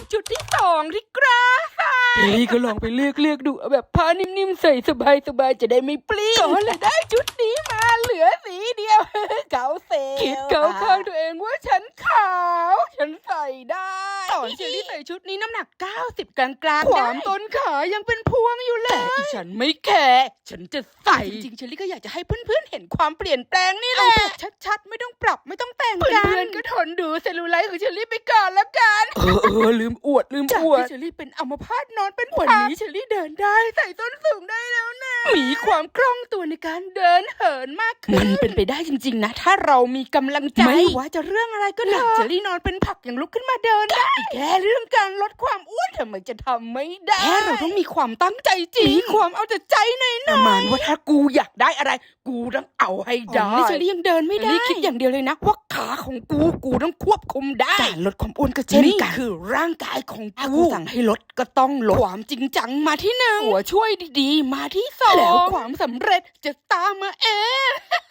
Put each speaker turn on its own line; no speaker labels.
จุดที่2ที่กราเฮ้ยก็ลองไปเลือกดูแบบผ้านิ่มๆใส่สบายๆจะได้ไม่ปลิ้งก็เลยได้ชุดนี้มาเหลือสีเดียว เก๋าเซลคิดเก๋าข้างตัวเองว่าฉันขาวฉันใส่ได้ตอนเชอรี่ใส่ชุดนี้น้ำหนัก90กลางๆความต้นขายังเป็นพวงอยู่เลยแต่อีฉันไม่แคร์ฉันจะใส่จริงๆเชอรี่ก็อยากจะให้เพื่อนๆเห็นความเปลี่ยนแปลงนี่แหละแบบชัดๆไม่ต้องปรับไม่ต้องแต่งกันเพื่อนๆก็ทนดูเซลลูไลท์ของเชอรี่ไปก่อนแล้วกันลืมอวดจากที่เชอรี่เป็นอัมพาตนอนเป็นวันนี้เชอรี่เดินได้ใส่ส้นสูงได้แล้วนะมีความคล่องตัวในการเดินเหินมากขึ้นมันเป็นไปได้จริงๆนะถ้าเรามีกำลังใจไม่ว่าจะเรื่องอะไรก็เถอะเชอรี่นอนเป็นผักยังลุกขึ้นมาเดินได้แค่เรื่องการลดความอ้วนทำไมจะทำไม่ได้แค่เราต้องมีความตั้งใจจริงมีความเอาแต่ใจหน่อยประมาณว่าถ้ากูอยากได้อะไรกูต้องเอาให้ได้เชอรี่ยังเดินไม่ได้คิดอย่างเดียวเลยนะว่าขาของกูต้องควบคุมได้การลดความอ้วนก็เช่นกันคือร่างกายของกูสั่งให้ลดก็ต้องลดความจริงจังมาที่1หัวช่วยดีๆมาที่2แล้วความสำเร็จจะตามมาเอง